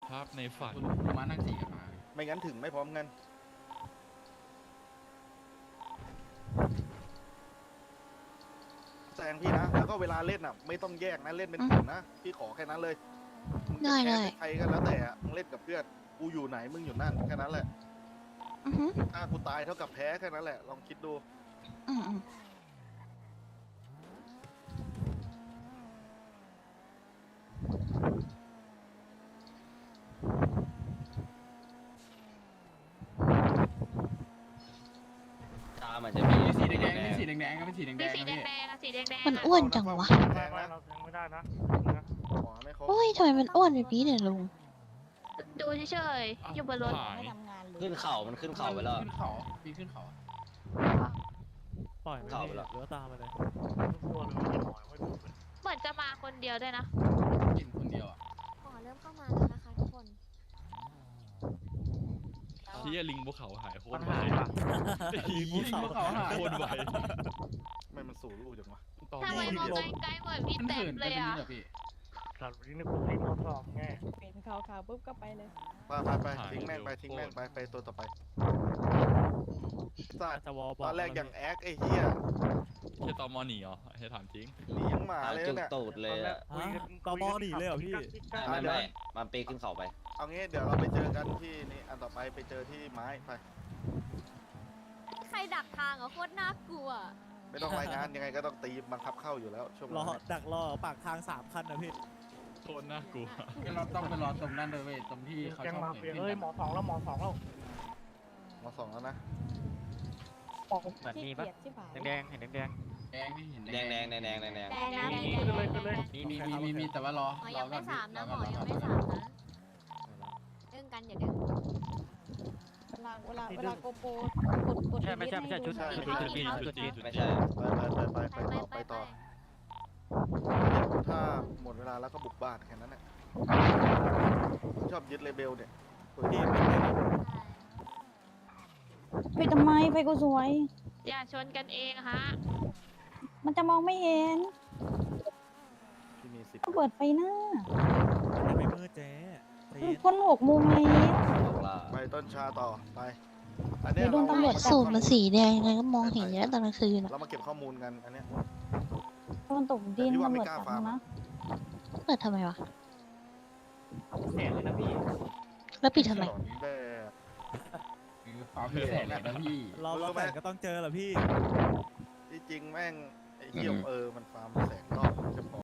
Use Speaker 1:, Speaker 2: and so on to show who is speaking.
Speaker 1: ภาพในฝัน
Speaker 2: คุณมานั่งสี่กันมา
Speaker 3: ไม่งั้นถึงไม่พร้อมกันแซงพี่นะแล้วก็เวลาเล่นอ่ะไม่ต้องแยกนะเล่นเป็นกลุ่มนะพี่ขอแค่นั้นเลยมึงจะแพ้เป็นใครกันแล้วแต่อะมึงเล่นกับเพื่อนกูอยู่ไหนมึงอยู่นั่นแค่นั้นแหละ
Speaker 4: อือฮึ
Speaker 3: ถ้ากูตายเท่ากับแพ้แค่นั้นแหละลองคิดดู
Speaker 4: อืมอืม
Speaker 5: ตามันจะมี
Speaker 2: สีแดงๆสีแดงๆก็เป็นสีแดงๆ
Speaker 6: มี
Speaker 2: นะ
Speaker 6: สีแด
Speaker 2: พี่
Speaker 6: งๆอะสีแดงๆ
Speaker 4: มัน
Speaker 6: อะ
Speaker 4: อ้วนจังวะ
Speaker 3: แซงนะ
Speaker 7: เรายังไม่ได้นะ
Speaker 3: ขอไม่ครบ
Speaker 4: โอ้ยทำไมมันอ้วนแบบนี้เนี่ยลุง
Speaker 6: ดูเฉยๆอยู่บนรถ
Speaker 1: หาย
Speaker 5: ขึ้นเข่ามันขึ้นเข่าไปแล้ว
Speaker 2: ขึ้นเขาปีนขึ้นเขา
Speaker 8: ปล่อยไม่
Speaker 5: เข้า
Speaker 8: ได้
Speaker 5: ไปแล้ว
Speaker 8: หรือว่าตามมาเลย
Speaker 7: ตัวเลยไม่หน่อยไม่ดูเลย
Speaker 6: เหมือนจะมาคนเดียวด้วยนะ
Speaker 2: กินคนเดียวอ่ะ
Speaker 9: หมอเริ่มเข้ามาแล้วนะคะทุกคน
Speaker 1: เชี่ยลิงภูเขาหายโค
Speaker 7: ปั
Speaker 1: ต
Speaker 7: ญ
Speaker 1: รไว
Speaker 7: หาค่ะ
Speaker 1: ลิงภูเขาหายโคตรไว
Speaker 3: ไม่มันสู่ลูกจังวะ
Speaker 1: ตอน
Speaker 6: ทำไม
Speaker 1: นี้
Speaker 6: มองใกล้ๆเหมือนพี่
Speaker 2: มัน
Speaker 6: เต็
Speaker 2: เหิ
Speaker 6: ม
Speaker 2: น
Speaker 6: เล
Speaker 2: ไป
Speaker 6: ย
Speaker 2: ตรง
Speaker 6: อะ
Speaker 2: นี้เหรอพี่
Speaker 7: สัตว์นี้ในกลุ่มที่มาสอบแง่
Speaker 9: เป็นขาวๆปุ๊บก็ไปเลย
Speaker 3: ไปทิ้งแม่งไปทิ้งแม่งไปตัวต่อไปสัตว์
Speaker 8: จะวอลบอ
Speaker 3: ต
Speaker 8: ก
Speaker 3: อนแรกอย่างแอคไอ้เหี้ย
Speaker 1: เชี่ยตอมอหนีเหรอให้ถามจริง
Speaker 3: หนียังหมา
Speaker 5: หา
Speaker 3: เลย
Speaker 5: จุก
Speaker 3: เนี่ย
Speaker 5: ตูดเลยอะ
Speaker 8: ตอมอหนีเลยเหรอพี่
Speaker 5: ไม่มันปีนขึ้นเข่าไป
Speaker 3: เอางี้เดี๋ยวเราไปเจอกันที่นี่อันต่อไปไปเจอที่ไม้ไป
Speaker 9: ใครดักทางอ่ะโคตรน่ากลัว
Speaker 3: ไม่ต้องรายงานยังไงก็ต้องตีบังคับเข้าอยู่แล้วช่วง
Speaker 8: รอ
Speaker 3: นั้น
Speaker 8: ดักรอปากทาง3 คันนะพี่
Speaker 1: โคตรน่ากลัว
Speaker 2: เราต้องไปรอตรงนั้นเลยเว้ยตรงที่เขา
Speaker 7: แกง
Speaker 2: ชอบ
Speaker 7: มา
Speaker 2: เห็น
Speaker 7: เปีย
Speaker 2: ขึ้น
Speaker 7: เอ้ย
Speaker 2: กัน
Speaker 7: หมอสองแล้วหมอสองแล้ว
Speaker 3: มสองแล้วนะ
Speaker 9: เหมือนมีปะแดง
Speaker 2: แดงนี่เห็น
Speaker 5: แดงแดงแดงแดงแดงแดง
Speaker 9: แดงนะแดง
Speaker 7: ขึ้นเลยขึ้นเลย
Speaker 2: มีแต่ว่ารอ
Speaker 9: หมอ
Speaker 2: ร
Speaker 9: ยั
Speaker 2: อง ก่
Speaker 9: ไม่
Speaker 2: อน
Speaker 9: สามนะหม
Speaker 2: ร
Speaker 9: อ
Speaker 2: ก่
Speaker 9: ยัง
Speaker 2: ร
Speaker 9: ไม่
Speaker 2: ก่
Speaker 9: สามนะเรื่องกันอย่าเด้งเวลาโกโปรกดไม่ใช่ชุด
Speaker 5: ไม่ใช่
Speaker 3: ไปต่อถ้าหมดเวลาแล้วก็บุกบ้านแค่นั้นแหละชอบยึดเลเบลเนี่ย
Speaker 8: พี่เป็นไงนะ
Speaker 10: ไปทำไมไฟก็สวย
Speaker 6: อย่าชนกันเองฮะ
Speaker 10: มันจะมองไม่เห็น
Speaker 3: ที่มีสิทธิ์
Speaker 10: ต้องเปิดไฟหน้า
Speaker 8: มันไม่มืดเจ๊ใจเย็น
Speaker 10: คน6 โมงแล้ว
Speaker 5: บอกล่า
Speaker 3: ไปต้นชาต่อไปอัน
Speaker 10: เดี๋
Speaker 3: เนี้
Speaker 10: ยวโดนตำรวจจับ
Speaker 4: สูตรมันสีแดงยังไงก็มองเห็นอยู่แล้วตอนกลางคืนอะ
Speaker 3: เรามาเก็บข้อมูลกันอันเนี้ย
Speaker 10: โดนตกดิน
Speaker 3: แต่พี่ว่า
Speaker 10: ตำ
Speaker 3: ไม่
Speaker 10: รวจ
Speaker 3: กล้า
Speaker 10: จับ
Speaker 3: ฟาร์ม
Speaker 10: นะ
Speaker 4: เปิดทำไมวะ
Speaker 7: แสนเลยนะพี่
Speaker 4: แล้วปิดทำไม
Speaker 3: สอนแบบ
Speaker 2: คือความพิเศษแบบนะพี่
Speaker 8: รอแต่งก็ต้องเจอแหละพี่
Speaker 3: ที่จริงแม่งไอ้เหี้ยมันฟาร์มแสงรอบจะพอ